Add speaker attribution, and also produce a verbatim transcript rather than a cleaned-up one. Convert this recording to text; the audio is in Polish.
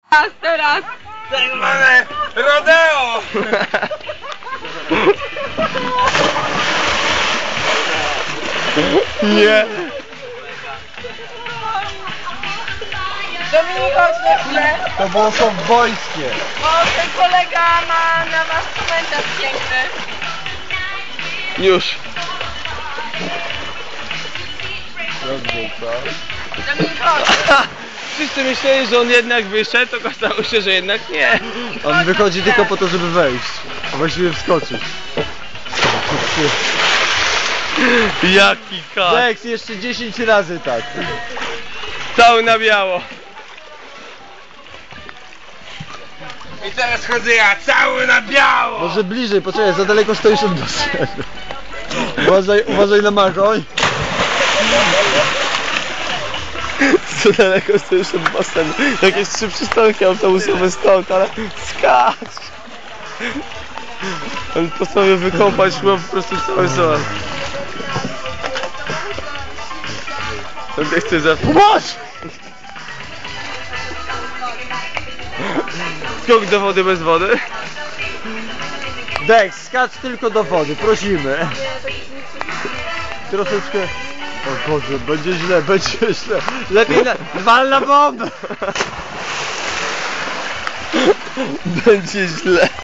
Speaker 1: Teraz, teraz!
Speaker 2: Tak zwane rodeo!
Speaker 3: Nie!
Speaker 1: Dominik, chodź na chwilę.
Speaker 3: To było są wojskie!
Speaker 1: O, ten kolega ma na was komentarz piękny.
Speaker 3: Już!
Speaker 1: Dominik, chodź.
Speaker 3: Wszyscy myśleli, że on jednak wyszedł, okazało się, że jednak nie. On wychodzi tylko po to, żeby wejść. A właściwie wskoczyć. Jaki kat! Lex, jeszcze dziesięć razy tak. Cały na biało.
Speaker 2: I teraz chodzę ja cały na biało!
Speaker 3: Może bliżej, poczekaj, za daleko stoisz od nas. Uważaj, uważaj na machoń. Co daleko stoisz od basenu. Jakieś trzy przystanki autobusowe stąd, ale skacz! On postanowił wykąpać szło po prostu cały zon. On nie chce za... Pomóż! Skok do wody bez wody? Dex, skacz tylko do wody, prosimy. Troszeczkę... O Boże, będzie źle, będzie źle. Lepiej na... Wal na bombę! Będzie źle.